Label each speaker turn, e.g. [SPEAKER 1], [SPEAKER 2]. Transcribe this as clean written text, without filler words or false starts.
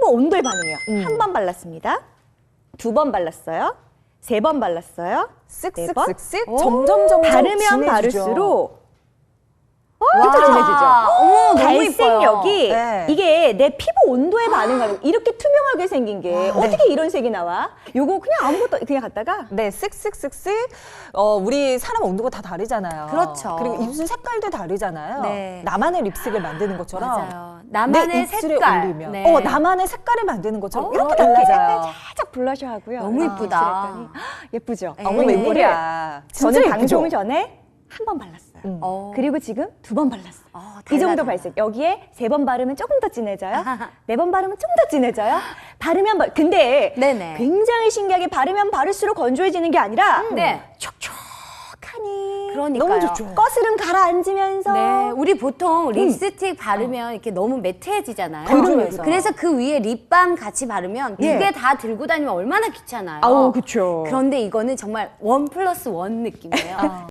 [SPEAKER 1] 피부 온도의 반응이에요. 한 번 발랐습니다. 두 번 발랐어요. 세 번 발랐어요. 네 번.
[SPEAKER 2] 쓱쓱쓱쓱 점점
[SPEAKER 1] 바르면
[SPEAKER 2] 진해지죠.
[SPEAKER 1] 바를수록
[SPEAKER 3] 와.
[SPEAKER 1] 진짜 진해지죠.
[SPEAKER 3] 어머, 너무
[SPEAKER 1] 발색력이
[SPEAKER 2] 네.
[SPEAKER 1] 이게 내 피부 온도에 반응하는 이렇게 투명하게 생긴 게 어떻게 이런 색이 나와? 요거 그냥 아무것도 그냥 갖다가
[SPEAKER 2] 네, 쓱쓱쓱쓱. 우리 사람 온도가 다 다르잖아요.
[SPEAKER 3] 그렇죠.
[SPEAKER 2] 그리고 입술 색깔도 다르잖아요.
[SPEAKER 3] 네.
[SPEAKER 2] 나만의 립스틱을 만드는 것처럼.
[SPEAKER 3] 맞아요. 나만의
[SPEAKER 2] 내 입술에
[SPEAKER 3] 색깔.
[SPEAKER 2] 올리면.
[SPEAKER 3] 네.
[SPEAKER 2] 나만의 색깔을 만드는 것처럼 이렇게
[SPEAKER 1] 이렇게
[SPEAKER 2] 달라져요.
[SPEAKER 1] 약간 살짝 블러셔 하고요.
[SPEAKER 3] 너무 이쁘다.
[SPEAKER 1] 칠했더니 예쁘죠?
[SPEAKER 2] 어머,
[SPEAKER 3] 네.
[SPEAKER 2] 웬일이야. 진짜
[SPEAKER 1] 저는
[SPEAKER 2] 예쁘죠?
[SPEAKER 1] 방송 전에 한 번 발랐어요.
[SPEAKER 3] 그리고
[SPEAKER 1] 그리고 지금 두 번 발랐어요. 이
[SPEAKER 3] 달라,
[SPEAKER 1] 정도
[SPEAKER 3] 달라.
[SPEAKER 1] 발색. 여기에 세 번 바르면 조금 더 진해져요. 네 번 바르면 좀 더 진해져요. 근데
[SPEAKER 3] 네네.
[SPEAKER 1] 굉장히 신기하게 바르면 바를수록 건조해지는 게 아니라
[SPEAKER 3] 네.
[SPEAKER 1] 촉촉하니
[SPEAKER 3] 그러니까요.
[SPEAKER 2] 너무 좋죠.
[SPEAKER 1] 거스름 가라앉으면서
[SPEAKER 3] 네, 우리 보통 립스틱 바르면 이렇게 너무 매트해지잖아요.
[SPEAKER 1] 그러면서.
[SPEAKER 3] 그래서 그 위에 립밤 같이 바르면 두
[SPEAKER 1] 예.
[SPEAKER 3] 개 다 들고 다니면 얼마나 귀찮아요.
[SPEAKER 1] 아우 그쵸.
[SPEAKER 3] 그런데 이거는 정말 1+1 느낌이에요.